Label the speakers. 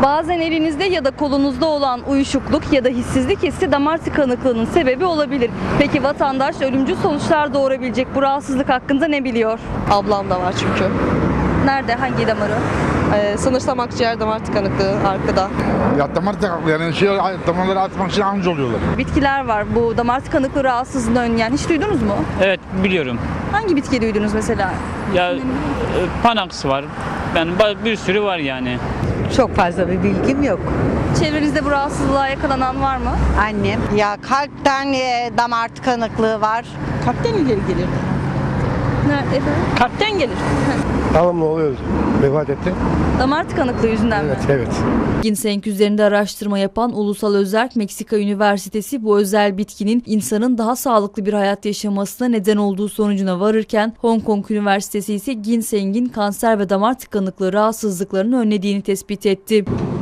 Speaker 1: Bazen elinizde ya da kolunuzda olan uyuşukluk ya da hissizlik hissi damar tıkanıklığının sebebi olabilir. Peki vatandaş ölümcül sonuçlar doğurabilecek bu rahatsızlık hakkında ne biliyor?
Speaker 2: Ablam da var çünkü.
Speaker 1: Nerede? Hangi damarı?
Speaker 2: Sanırsam akciğer damar tıkanıklığı arkada.
Speaker 3: Ya damar tıkanıklığı yani damarları atmak için anca oluyorlar.
Speaker 1: Bitkiler var bu damar tıkanıklığı rahatsızlığını önleyen. Hiç duydunuz mu?
Speaker 4: Evet biliyorum.
Speaker 1: Hangi bitki duydunuz mesela?
Speaker 4: Ya Panax var. Yani bir sürü var yani.
Speaker 5: Çok fazla bir bilgim yok.
Speaker 1: Çevrenizde bu rahatsızlığa yakalanan var mı?
Speaker 5: Annem.
Speaker 6: Ya kalpten damar tıkanıklığı var.
Speaker 1: Kalpten ileri gelir. Kalpten gelir.
Speaker 7: Babamla oluyor. Vefat etti.
Speaker 1: Damar tıkanıklığı yüzünden mi?
Speaker 7: Evet.
Speaker 8: Ginseng üzerinde araştırma yapan Ulusal Özerk Meksika Üniversitesi bu özel bitkinin insanın daha sağlıklı bir hayat yaşamasına neden olduğu sonucuna varırken Hong Kong Üniversitesi ise ginsengin kanser ve damar tıkanıklığı rahatsızlıklarını önlediğini tespit etti.